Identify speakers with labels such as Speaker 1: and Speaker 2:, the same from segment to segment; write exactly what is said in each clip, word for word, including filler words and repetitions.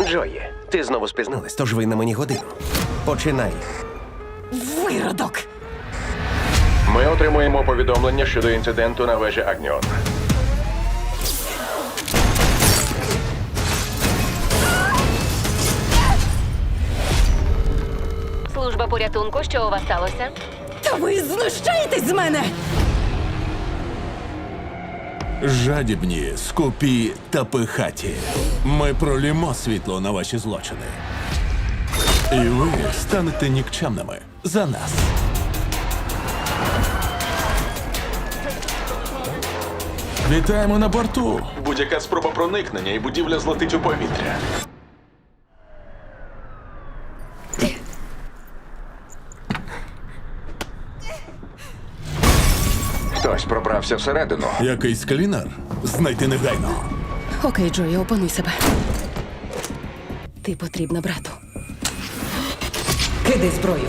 Speaker 1: Джої, ти знову спізнилась, тож ви на мені годину. Починай.
Speaker 2: Виродок!
Speaker 3: Ми отримуємо повідомлення щодо інциденту на вежі Агніон.
Speaker 4: Служба порятунку, що у вас сталося?
Speaker 2: Та ви знущаєтесь з мене!
Speaker 5: Жадібні, скупі та пихаті. Ми пролімо світло на ваші злочини. І ви станете нікчемними за нас. Вітаємо на борту. Будь-яка спроба проникнення і будівля злетить у повітря.
Speaker 3: Хтось пробрався всередину.
Speaker 5: Якийсь клінер? Знайти негайно.
Speaker 2: Окей, Джої, опануй себе. Ти потрібна брату. Кидай зброю.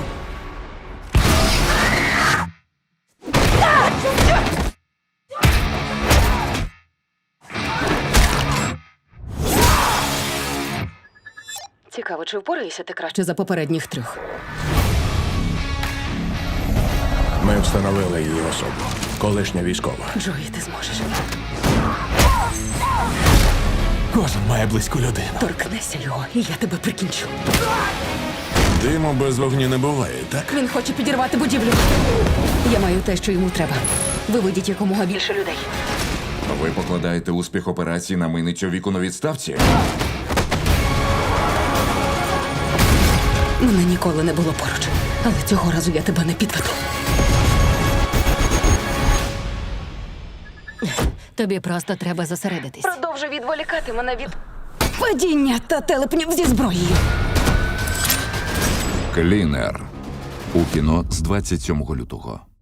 Speaker 2: Цікаво, чи впораєшся ти краще за попередніх трьох?
Speaker 5: Ми встановили її особу. Колишня військова.
Speaker 2: Джої, ти зможеш.
Speaker 5: Кожен має близьку людину.
Speaker 2: Торкнешся його, і я тебе прикінчу.
Speaker 5: Диму без вогню не буває, так?
Speaker 2: Він хоче підірвати будівлю. Я маю те, що йому треба. Виведіть якомога більше людей.
Speaker 6: Ви покладаєте успіх операції на миницю віку на відставці?
Speaker 2: Мене ніколи не було поруч. Але цього разу я тебе не підведу.
Speaker 4: Тобі просто треба зосередитись.
Speaker 2: Продовжуй відволікати мене від падіння та телепнів зі зброєю.
Speaker 6: Клінер. У кіно з двадцять сьомого лютого.